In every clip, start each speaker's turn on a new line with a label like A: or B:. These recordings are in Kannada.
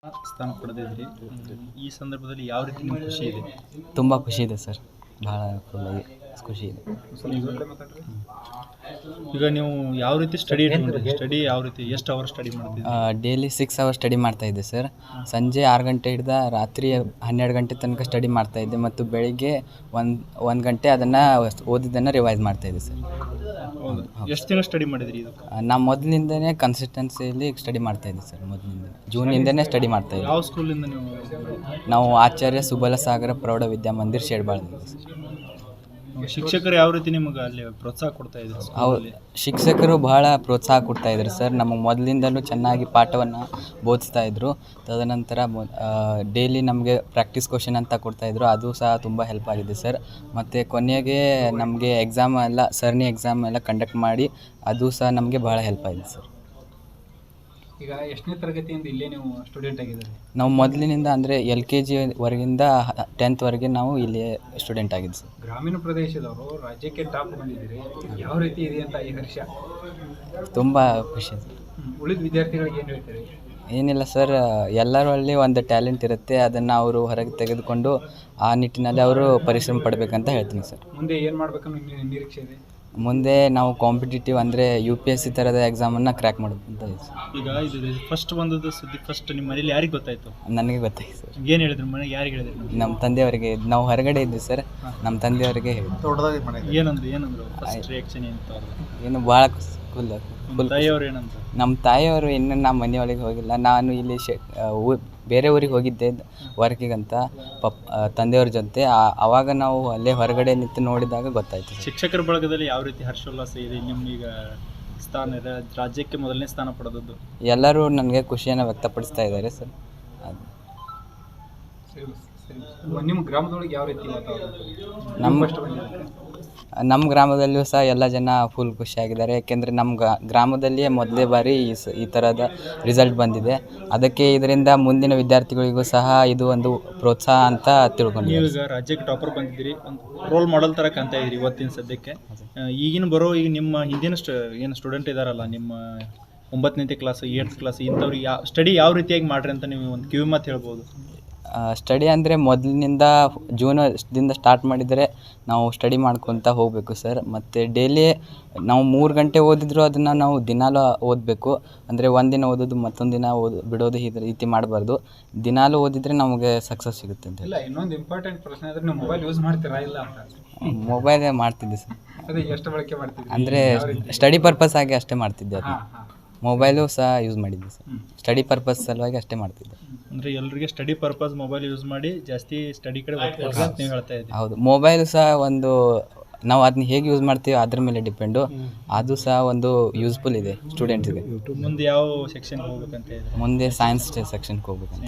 A: ಸ್ಥಾನ ಪಡೆದಿದ್ರಿ. ಈ ಸಂದರ್ಭದಲ್ಲಿ ಯಾವ ರೀತಿ ನಿಮ್ಗೆ ಖುಷಿ ಇದೆ?
B: ತುಂಬ ಖುಷಿ ಇದೆ ಸರ್, ಭಾಳ ಫುಲ್ಲಾಗಿ ಖುಷಿ ಇದೆ.
A: ಈಗ ನೀವು ಯಾವ ರೀತಿ ಸ್ಟಡಿ ಯಾವ ರೀತಿ ಎಷ್ಟು ಅವರ್ ಸ್ಟಡಿ ಮಾಡ್ತೀವಿ?
B: ಡೈಲಿ 6 ಅವರ್ಸ್ ಸ್ಟಡಿ ಮಾಡ್ತಾಯಿದ್ದೆ ಸರ್. ಸಂಜೆ 6 ಗಂಟೆ ಹಿಡ್ದು ರಾತ್ರಿ 12 ಗಂಟೆ ತನಕ ಸ್ಟಡಿ ಮಾಡ್ತಾಯಿದ್ದೆ ಮತ್ತು ಬೆಳಿಗ್ಗೆ 1 ಗಂಟೆ ಅದನ್ನು ಓದಿದ್ದನ್ನು ರಿವೈಸ್ ಮಾಡ್ತಾಯಿದ್ದೆ ಸರ್.
A: ಹೌದು. ಎಷ್ಟು ದಿನ ಸ್ಟಡಿ ಮಾಡಿದ್ರಿ ಇದು?
B: ನಾವು ಮೊದಲಿಂದನೇ ಕನ್ಸಿಸ್ಟೆನ್ಸಿಯಲ್ಲಿ ಸ್ಟಡಿ ಮಾಡ್ತಾಯಿದ್ದೆ ಸರ್. ಮೊದಲಿಂದ ಜೂನಿಂದನೇ ಸ್ಟಡಿ ಮಾಡ್ತಾಯಿದ್ದೆ.
A: ಯಾವ ಸ್ಕೂಲಿಂದ ನೀವು?
B: ನಾವು ಆಚಾರ್ಯ ಸುಬಲಸಾಗರ ಪ್ರೌಢ ವಿದ್ಯಾಮಂದಿರ್ ಶೇಡ್ಬಾಳ್ದಿಂದ ಸರ್.
A: ಶಿಕ್ಷಕರು ಯಾವ ರೀತಿ ನಿಮಗೆ ಅಲ್ಲಿ ಪ್ರೋತ್ಸಾಹ ಕೊಡ್ತಾ ಇದ್ರು?
B: ಹೌದು, ಶಿಕ್ಷಕರು ಬಹಳ ಪ್ರೋತ್ಸಾಹ ಕೊಡ್ತಾಯಿದ್ರು ಸರ್. ನಮಗೆ ಮೊದಲಿಂದಲೂ ಚೆನ್ನಾಗಿ ಪಾಠವನ್ನು ಬೋಧಿಸ್ತಾಯಿದ್ರು. ತದನಂತರ ಡೈಲಿ ನಮಗೆ ಪ್ರಾಕ್ಟೀಸ್ ಕ್ವಶನ್ ಅಂತ ಕೊಡ್ತಾಯಿದ್ರು, ಅದು ಸಹ ತುಂಬ ಹೆಲ್ಪ್ ಆಗಿದೆ ಸರ್. ಮತ್ತು ಕೊನೆಗೆ ನಮಗೆ ಸರಣಿ ಎಕ್ಸಾಮ್ ಎಲ್ಲ ಕಂಡಕ್ಟ್ ಮಾಡಿ ಅದು ಸಹ ನಮಗೆ ಭಾಳ ಹೆಲ್ಪ್ ಆಗಿದೆ ಸರ್.
A: ಈಗ ಎಷ್ಟನೇ ತರಗತಿಯಿಂದ ಇಲ್ಲೇ ನೀವು ಸ್ಟೂಡೆಂಟ್ ಆಗಿದ್ದೀರಿ?
B: ನಾವು ಮೊದಲಿನಿಂದ ಅಂದರೆ LKG ವರೆಗಿಂದ 10th ವರೆಗೆ ನಾವು ಇಲ್ಲಿ ಸ್ಟೂಡೆಂಟ್ ಆಗಿದ್ದು ಸರ್.
A: ಗ್ರಾಮೀಣ ಪ್ರದೇಶದವರು ರಾಜ್ಯಕ್ಕೆ ಟಾಪ್ ಬಂದಿದ್ದೀರಿ, ಯಾವ ರೀತಿ ಇದೆ ಅಂತ ಈ ವರ್ಷ?
B: ತುಂಬ ಖುಷಿ ಸರ್.
A: ಉಳಿದ ವಿದ್ಯಾರ್ಥಿಗಳಿಗೆ ಏನು ಹೇಳ್ತೀರಿ?
B: ಏನಿಲ್ಲ ಸರ್, ಎಲ್ಲರಲ್ಲಿ ಒಂದು ಟ್ಯಾಲೆಂಟ್ ಇರುತ್ತೆ, ಅದನ್ನು ಅವರು ಹೊರಗೆ ತೆಗೆದುಕೊಂಡು ಆ ನಿಟ್ಟಿನಲ್ಲಿ ಅವರು ಪರಿಶ್ರಮ ಪಡಬೇಕಂತ ಹೇಳ್ತೀನಿ ಸರ್.
A: ಮುಂದೆ ಏನು ಮಾಡಬೇಕನ್ನೋ ನಿರೀಕ್ಷೆ ಇದೆ?
B: ಮುಂದೆ ನಾವು ಕಾಂಪಿಟೇಟಿವ್ ಅಂದರೆ UPSC ಥರದ ಎಕ್ಸಾಮನ್ನು ಕ್ರ್ಯಾಕ್ ಮಾಡಬೇಕಂತ ಇದೆ ಸರ್.
A: ಈಗ ಇದು ಫಸ್ಟ್ ಬಂದದ್ದು ಸುದ್ದಿ ನಿಮ್ಮ ಮನೇಲಿ ಯಾರಿಗೆ ಗೊತ್ತಾಯಿತು?
B: ನನಗೆ ಗೊತ್ತಾಯ್ತು ಸರ್.
A: ಏನು ಹೇಳಿದ್ರು ಮನೆಗೆ? ಯಾರಿಗೆ ಹೇಳಿದ್ರು?
B: ನಮ್ಮ ತಂದೆಯವರಿಗೆ. ನಾವು ಹೊರಗಡೆ ಇದ್ವಿ ಸರ್, ನಮ್ಮ ತಂದೆಯವರಿಗೆ ಹೇಳಿದ್ರು.
A: ಏನಂದ್ರು ಫಸ್ಟ್ ರಿಯಾಕ್ಷನ್ ಅಂತ?
B: ಏನು ಭಾಳ ಫುಲ್
A: ತಾಯಿಯವರು ಏನಂತ?
B: ನಮ್ಮ ತಾಯಿಯವರು ಇನ್ನೂ ನಮ್ಮ ಮನೆಯೊಳಗೆ ಹೋಗಿಲ್ಲ. ನಾನು ಇಲ್ಲಿ ಬೇರೆ ಊರಿಗೆ ಹೋಗಿದ್ದೆ ವರ್ಕಿಗಂತ ತಂದೆಯವ್ರ ಜೊತೆ. ಆವಾಗ ನಾವು ಅಲ್ಲೇ ಹೊರಗಡೆ ನಿಂತು ನೋಡಿದಾಗ ಗೊತ್ತಾಯಿತು.
A: ಶಿಕ್ಷಕರ ಬಳಗದಲ್ಲಿ ಯಾವ ರೀತಿ ಹರ್ಷೋಲ್ಲಾಸ ಇದೆ? ನಿಮ್ಮೀಗ ಸ್ಥಾನ ಇದೆ, ರಾಜ್ಯಕ್ಕೆ ಮೊದಲನೇ ಸ್ಥಾನ ಪಡೆದದ್ದು. ಎಲ್ಲರೂ
B: ನನಗೆ ಖುಷಿಯನ್ನು ವ್ಯಕ್ತಪಡಿಸ್ತಾ ಇದ್ದಾರೆ ಸರ್.
A: ನಿಮ್ಮ ಗ್ರಾಮದೊಳಗೆ ಯಾವ ರೀತಿ
B: ನಮ್ಮ ಗ್ರಾಮದಲ್ಲಿಯೂ ಸಹ ಎಲ್ಲ ಜನ ಫುಲ್ ಖುಷಿಯಾಗಿದ್ದಾರೆ. ಯಾಕೆಂದರೆ ನಮ್ಮ ಗ್ರಾಮದಲ್ಲಿಯೇ ಮೊದಲೇ ಬಾರಿ ಈ ಥರದ ರಿಸಲ್ಟ್ ಬಂದಿದೆ. ಅದಕ್ಕೆ ಇದರಿಂದ ಮುಂದಿನ ವಿದ್ಯಾರ್ಥಿಗಳಿಗೂ ಸಹ ಇದು ಒಂದು ಪ್ರೋತ್ಸಾಹ ಅಂತ ತಿಳ್ಕೊಂಡು.
A: ಈಗ ರಾಜ್ಯಕ್ಕೆ ಟಾಪರ್ ಬಂದಿದ್ದೀರಿ, ಒಂದು ರೋಲ್ ಮಾಡೆಲ್ ಥರ ಕಾಣ್ತಾ ಇದ್ದೀರಿ ಇವತ್ತಿನ ಸದ್ಯಕ್ಕೆ. ಈಗ ನಿಮ್ಮ ಹಿಂದಿನ ಏನು ಸ್ಟೂಡೆಂಟ್ ಇದ್ದಾರಲ್ಲ, ನಿಮ್ಮ 9ನೇ ಕ್ಲಾಸ್ 8th ಕ್ಲಾಸ್ ಇಂಥವ್ರಿಗೆ ಸ್ಟಡಿ ಯಾವ ರೀತಿಯಾಗಿ ಮಾಡ್ರಿ ಅಂತ ನೀವು ಒಂದು ಕಿವಿ ಮಾತು ಹೇಳ್ಬೋದು?
B: ಸ್ಟಡಿ ಅಂದರೆ ಮೊದಲಿನಿಂದ ಜೂನದಿಂದ ಸ್ಟಾರ್ಟ್ ಮಾಡಿದರೆ ನಾವು ಸ್ಟಡಿ ಮಾಡ್ಕೊತ ಹೋಗಬೇಕು ಸರ್. ಮತ್ತು ಡೈಲಿ ನಾವು 3 ಗಂಟೆ ಓದಿದ್ರು ಅದನ್ನು ನಾವು ದಿನಾಲೂ ಓದಬೇಕು. ಅಂದರೆ ಒಂದಿನ ಓದೋದು ಮತ್ತೊಂದು ದಿನ ಬಿಡೋದು ಈ ರೀತಿ ಮಾಡಬಾರ್ದು. ದಿನಾಲೂ ಓದಿದರೆ ನಮಗೆ ಸಕ್ಸಸ್ ಸಿಗುತ್ತೆ ಅಂತ.
A: ಇಲ್ಲ, ಇನ್ನೊಂದು ಇಂಪಾರ್ಟೆಂಟ್ ಪ್ರಶ್ನೆ ಅಂದರೆ ನೀವು ಮೊಬೈಲ್ ಯೂಸ್ ಮಾಡ್ತೀರಾ ಇಲ್ಲ ಅಂತ?
B: ಮೊಬೈಲ್ ಮಾಡ್ತಿದ್ದೆ ಸರ್.
A: ಅದೇ ಎಷ್ಟು ಬಳಕೆ ಮಾಡ್ತಿದ್ದೆ?
B: ಅಂದರೆ ಸ್ಟಡಿ ಪರ್ಪಸ್ ಆಗಿ ಅಷ್ಟೇ ಮಾಡ್ತಿದ್ದೆ. ಅದು ಮೊಬೈಲು ಸಹ ಯೂಸ್ ಮಾಡಿದ್ದೆ ಸರ್, ಸ್ಟಡಿ ಪರ್ಪಸ್ ಸಲುವಾಗಿ ಅಷ್ಟೇ ಮಾಡ್ತಿದ್ದೆ.
A: ಅಂದರೆ ಎಲ್ಲರಿಗೆ ಸ್ಟಡಿ ಪರ್ಪಸ್ ಮೊಬೈಲ್ ಯೂಸ್ ಮಾಡಿ ಜಾಸ್ತಿ ಸ್ಟಡಿ ಕಡೆ ಅಂತ ನೀವು ಹೇಳ್ತಾ ಇದ್ದೀವಿ.
B: ಹೌದು, ಮೊಬೈಲ್ ಸಹ ನಾವು ಅದನ್ನ ಹೇಗೆ ಯೂಸ್ ಮಾಡ್ತೀವಿ ಅದ್ರ ಮೇಲೆ ಡಿಪೆಂಡು. ಅದು ಸಹ ಒಂದು ಯೂಸ್ಫುಲ್ ಇದೆ ಸ್ಟೂಡೆಂಟ್ಸ್ಗೆ.
A: ಮುಂದೆ ಯಾವ ಸೆಕ್ಷನ್ಗೆ ಹೋಗ್ಬೇಕಂತ ಇದೆ?
B: ಮುಂದೆ ಸೈನ್ಸ್ ಸೆಕ್ಷನ್ಗೆ ಹೋಗ್ಬೇಕಂತ.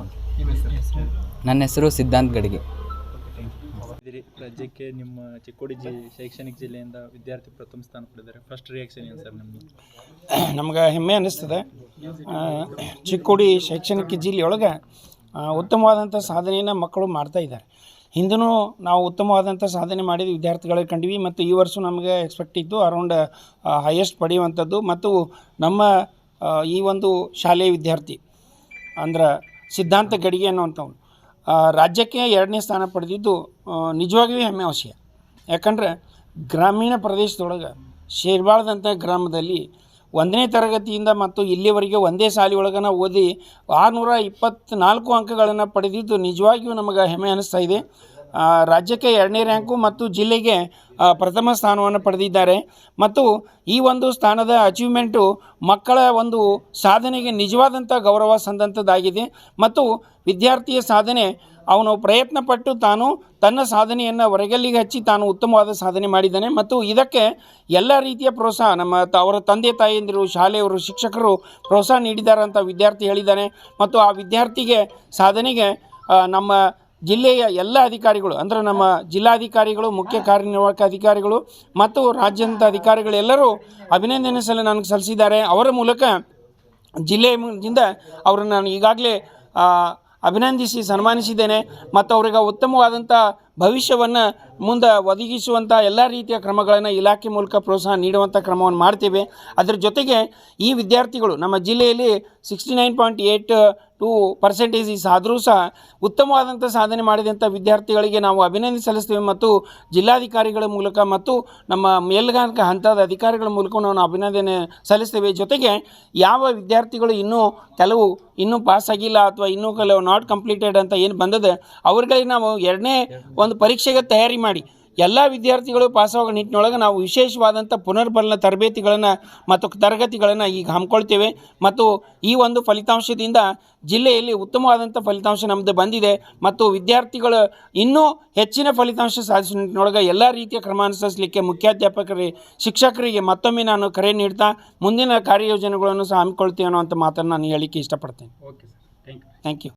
B: ನನ್ನ ಹೆಸರು ಸಿದ್ಧಾಂತ್ ಗಡಿಗೆ.
A: ರಾಜ್ಯಕ್ಕೆ ನಿಮ್ಮ ಚಿಕ್ಕೋಡಿ ಶೈಕ್ಷಣಿಕ ಜಿಲ್ಲೆಯಿಂದ ವಿದ್ಯಾರ್ಥಿ ಪ್ರಥಮ ಸ್ಥಾನ ಪಡೆದಿದ್ದಾರೆ. ಫಸ್ಟ್ ರಿಯಾಕ್ಷನ್ ಏನು ಸರ್ ನಿಮ್ಮದು?
C: ನಮ್ಗೆ ಹೆಮ್ಮೆ ಅನ್ನಿಸ್ತದೆ. ಚಿಕ್ಕೋಡಿ ಶೈಕ್ಷಣಿಕ ಜಿಲ್ಲೆಯೊಳಗೆ ಉತ್ತಮವಾದಂಥ ಸಾಧನೆಯನ್ನು ಮಕ್ಕಳು ಮಾಡ್ತಾಯಿದ್ದಾರೆ. ಹಿಂದೂ ನಾವು ಉತ್ತಮವಾದಂಥ ಸಾಧನೆ ಮಾಡಿದ ವಿದ್ಯಾರ್ಥಿಗಳಿಗೆ ಕಂಡ್ವಿ ಮತ್ತು ಈ ವರ್ಷ ನಮಗೆ ಎಕ್ಸ್ಪೆಕ್ಟ್ ಇತ್ತು ಅರೌಂಡ್ ಹೈಯೆಸ್ಟ್ ಪಡೆಯುವಂಥದ್ದು. ಮತ್ತು ನಮ್ಮ ಈ ಒಂದು ಶಾಲೆಯ ವಿದ್ಯಾರ್ಥಿ ಅಂದ್ರೆ ಸಿದ್ಧಾಂತ ಗಡಿಗೆ ಅನ್ನುವಂಥವ್ನು ರಾಜ್ಯಕ್ಕೆ 2ನೇ ಸ್ಥಾನ ಪಡೆದಿದ್ದು ನಿಜವಾಗಿಯೂ ಹೆಮ್ಮೆ ವಿಷಯ. ಯಾಕಂದರೆ ಗ್ರಾಮೀಣ ಪ್ರದೇಶದೊಳಗೆ ಶೇರ್ಬಾಳ್ದಂಥ ಗ್ರಾಮದಲ್ಲಿ 1ನೇ ತರಗತಿಯಿಂದ ಮತ್ತು ಇಲ್ಲಿವರೆಗೆ ಒಂದೇ ಶಾಲೆಯೊಳಗನ ಓದಿ 624 ಅಂಕಗಳನ್ನು ಪಡೆದಿದ್ದು ನಿಜವಾಗಿಯೂ ನಮಗೆ ಹೆಮ್ಮೆ ಅನ್ನಿಸ್ತಾ ಇದೆ. ರಾಜ್ಯಕ್ಕೆ 2ನೇ ರ್ಯಾಂಕು ಮತ್ತು ಜಿಲ್ಲೆಗೆ ಪ್ರಥಮ ಸ್ಥಾನವನ್ನು ಪಡೆದಿದ್ದಾರೆ. ಮತ್ತು ಈ ಒಂದು ಸ್ಥಾನದ ಅಚೀವ್ಮೆಂಟು ಮಕ್ಕಳ ಒಂದು ಸಾಧನೆಗೆ ನಿಜವಾದಂಥ ಗೌರವ ಸಂದಂಥದ್ದಾಗಿದೆ. ಮತ್ತು ವಿದ್ಯಾರ್ಥಿಯ ಸಾಧನೆ ಅವನು ಪ್ರಯತ್ನಪಟ್ಟು ತನ್ನ ಸಾಧನೆಯನ್ನು ಹೊರಗಲ್ಲಿಗೆ ಹಚ್ಚಿ ತಾನು ಉತ್ತಮವಾದ ಸಾಧನೆ ಮಾಡಿದ್ದಾನೆ. ಮತ್ತು ಇದಕ್ಕೆ ಎಲ್ಲ ರೀತಿಯ ಪ್ರೋತ್ಸಾಹ ಅವರ ತಂದೆ ತಾಯಿಯಂದಿರು, ಶಾಲೆಯವರು, ಶಿಕ್ಷಕರು ಪ್ರೋತ್ಸಾಹ ನೀಡಿದ್ದಾರೆ ಅಂತ ವಿದ್ಯಾರ್ಥಿ ಹೇಳಿದ್ದಾನೆ. ಮತ್ತು ಆ ವಿದ್ಯಾರ್ಥಿಗೆ ಸಾಧನೆಗೆ ನಮ್ಮ ಜಿಲ್ಲೆಯ ಎಲ್ಲ ಅಧಿಕಾರಿಗಳು ಅಂದರೆ ನಮ್ಮ ಜಿಲ್ಲಾಧಿಕಾರಿಗಳು, ಮುಖ್ಯ ಕಾರ್ಯನಿರ್ವಾಹಕ ಅಧಿಕಾರಿಗಳು ಮತ್ತು ರಾಜ್ಯದ ಅಧಿಕಾರಿಗಳೆಲ್ಲರೂ ಅಭಿನಂದನೆ ನನಗೆ ಸಲ್ಲಿಸಿದ್ದಾರೆ. ಅವರ ಮೂಲಕ ಜಿಲ್ಲೆಯಿಂದ ಅವರನ್ನು ನಾನು ಈಗಾಗಲೇ ಅಭಿನಂದಿಸಿ ಸನ್ಮಾನಿಸಿದ್ದೇನೆ. ಮತ್ತು ಅವರಿಗೆ ಉತ್ತಮವಾದಂಥ ಭವಿಷ್ಯವನ್ನು ಮುಂದೆ ಒದಗಿಸುವಂಥ ಎಲ್ಲ ರೀತಿಯ ಕ್ರಮಗಳನ್ನು ಇಲಾಖೆ ಮೂಲಕ ಪ್ರೋತ್ಸಾಹ ನೀಡುವಂಥ ಕ್ರಮವನ್ನು ಮಾಡ್ತೇವೆ. ಅದರ ಜೊತೆಗೆ ಈ ವಿದ್ಯಾರ್ಥಿಗಳು ನಮ್ಮ ಜಿಲ್ಲೆಯಲ್ಲಿ 69.8 2% ಆದರೂ ಸಹ ಉತ್ತಮವಾದಂಥ ಸಾಧನೆ ಮಾಡಿದಂಥ ವಿದ್ಯಾರ್ಥಿಗಳಿಗೆ ನಾವು ಅಭಿನಂದನೆ ಸಲ್ಲಿಸ್ತೇವೆ ಮತ್ತು ಜಿಲ್ಲಾಧಿಕಾರಿಗಳ ಮೂಲಕ ಮತ್ತು ನಮ್ಮ ಮೇಲ್ಗಾಂಕ ಹಂತದ ಅಧಿಕಾರಿಗಳ ಮೂಲಕ ನಾವು ಅಭಿನಂದನೆ ಸಲ್ಲಿಸ್ತೇವೆ. ಜೊತೆಗೆ ಯಾವ ವಿದ್ಯಾರ್ಥಿಗಳು ಇನ್ನೂ ಪಾಸ್ ಆಗಿಲ್ಲ ಅಥವಾ ಇನ್ನೂ ಕೆಲವು ನಾಟ್ ಕಂಪ್ಲೀಟೆಡ್ ಅಂತ ಏನು ಬಂದದೆ ಅವ್ರಿಗೆ ನಾವು ಎರಡನೇ ಒಂದು ಪರೀಕ್ಷೆಗೆ ತಯಾರಿ ಮಾಡಿ ಎಲ್ಲ ವಿದ್ಯಾರ್ಥಿಗಳು ಪಾಸಾಗೋ ನಿಟ್ಟಿನೊಳಗೆ ನಾವು ವಿಶೇಷವಾದಂಥ ಪುನರ್ಬಲನ ತರಬೇತಿಗಳನ್ನು ಮತ್ತು ತರಗತಿಗಳನ್ನು ಈಗ ಹಮ್ಮಿಕೊಳ್ತೇವೆ ಮತ್ತು ಈ ಒಂದು ಫಲಿತಾಂಶದಿಂದ ಜಿಲ್ಲೆಯಲ್ಲಿ ಉತ್ತಮವಾದಂಥ ಫಲಿತಾಂಶ ನಮ್ಮದು ಬಂದಿದೆ ಮತ್ತು ವಿದ್ಯಾರ್ಥಿಗಳು ಇನ್ನೂ ಹೆಚ್ಚಿನ ಫಲಿತಾಂಶ ಸಾಧಿಸುವ ನಿಟ್ಟಿನೊಳಗೆ ಎಲ್ಲ ರೀತಿಯ ಕ್ರಮ ಅನುಸರಿಸಲಿಕ್ಕೆ ಮುಖ್ಯಾಧ್ಯಾಪಕರಿಗೆ ಶಿಕ್ಷಕರಿಗೆ ಮತ್ತೊಮ್ಮೆ ನಾನು ಕರೆ ನೀಡ್ತಾ ಮುಂದಿನ ಕಾರ್ಯಯೋಜನೆಗಳನ್ನು ಸಹ ಹಮ್ಮಿಕೊಳ್ತೇವೆ ಅನ್ನೋ ಅಂಥ ಮಾತನ್ನು ನಾನು ಹೇಳಲಿಕ್ಕೆ ಇಷ್ಟಪಡ್ತೇನೆ.
A: Okay sir, thank you.
C: Thank you.